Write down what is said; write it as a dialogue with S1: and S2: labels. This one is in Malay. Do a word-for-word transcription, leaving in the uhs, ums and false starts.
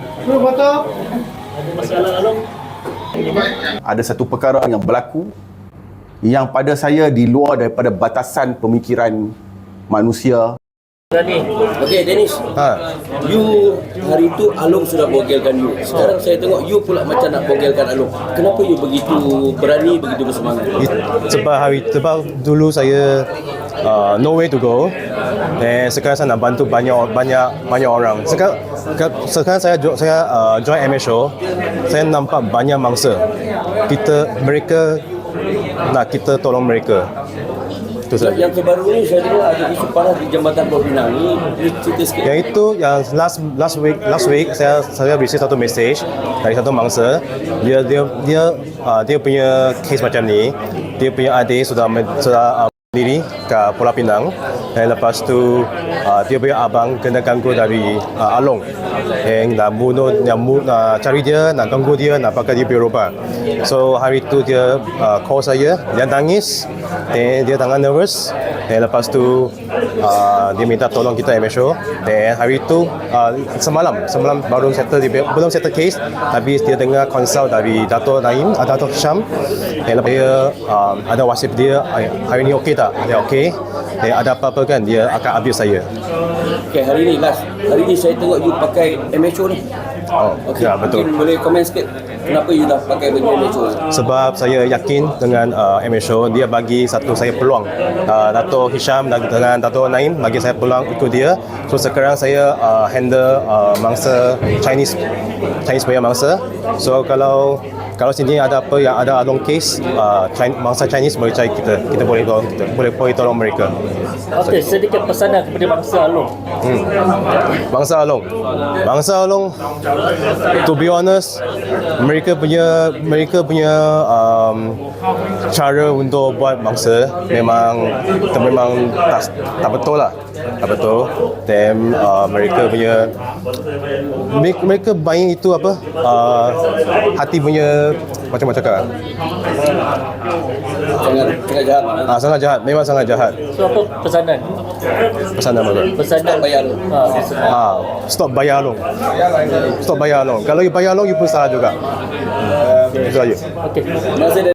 S1: Ada masalah Along?
S2: Ada satu perkara yang berlaku yang pada saya di luar daripada batasan pemikiran manusia.
S1: Berani.
S3: Okey, Dennis.
S4: Ha.
S3: You hari tu Along sudah bogelkan you. Sekarang saya tengok you pula macam nak bogelkan Along. Kenapa you begitu berani, begitu bersemangat?
S4: Sebab hari sebab dulu saya uh, no way to go. Dan sekarang saya nak bantu banyak banyak banyak orang. Sekarang sekarang saya jo- saya uh, join M S O. Saya nampak banyak mangsa. Kita mereka nak kita tolong mereka. Itu saja.
S3: Yang terbaru ni saya dengar ada isu panas di Jambatan Pulau Pinang ni. Boleh cerita sikit?
S4: Yang itu yang last last week last week saya saya receive satu message dari satu mangsa. Dia dia dia uh, dia punya case macam ni. Dia punya adik sudah sudah uh, diri ke Pulau Pinang dan lepas tu uh, dia punya abang kena ganggu dari uh, Along yang nak bunuh, nak, nak cari dia, nak ganggu dia, nak pakai dia punya robot. So hari tu dia uh, call saya, dia nangis dan dia tangan nervous dan lepas tu uh, dia minta tolong kita M S O dan hari tu uh, semalam semalam baru settle dia, belum settle case tapi dia dengar consult dari Dato' Naim, uh, Dato' Hisham dan lepas dia um, ada wasip dia hari ni okey tak? Dia okey. Dan ada apa-apa kan dia akan abuse saya.
S3: Okey, hari ni last. Hari ni saya tengok you pakai M S O ni.
S4: Oh,
S3: Okey,
S4: ya betul.
S3: mungkin boleh komen sikit kenapa you dah pakai baju M S O?
S4: Sebab saya yakin dengan uh, M S O dia bagi satu saya peluang. Uh, Dato' Hisham dan dengan Dato' Naim bagi saya peluang ikut dia. So sekarang saya uh, handle uh, mangsa Chinese Chinese punya mangsa. So kalau kalau sini ada apa yang ada Along case, uh, Chinese, mangsa Chinese boleh cari kita. Kita boleh tolong kita. Boleh boleh tolong mereka.
S1: Okey, sedikit pesanan kepada bangsa Along.
S4: Hmm. Bangsa Along. Bangsa Along, to be honest, mereka punya mereka punya um, cara untuk buat bangsa memang memang tak, tak betul lah. Tak betul. Dan uh, mereka punya mereka, mereka main itu apa? Uh, hati punya macam macam cakap.
S3: Sangat sangat jahat.
S4: Ah, sangat jahat. Memang sangat jahat.
S1: So apa pesanan?
S4: Pesanan apa?
S1: Pesanan
S3: bayar lu.
S1: Ha, pesanan.
S4: Ah, stop bayar Along. Stop bayar Along. Kalau you bayar Along, you pun salah juga. Itu saja.
S1: Okey.
S3: Terima kasih.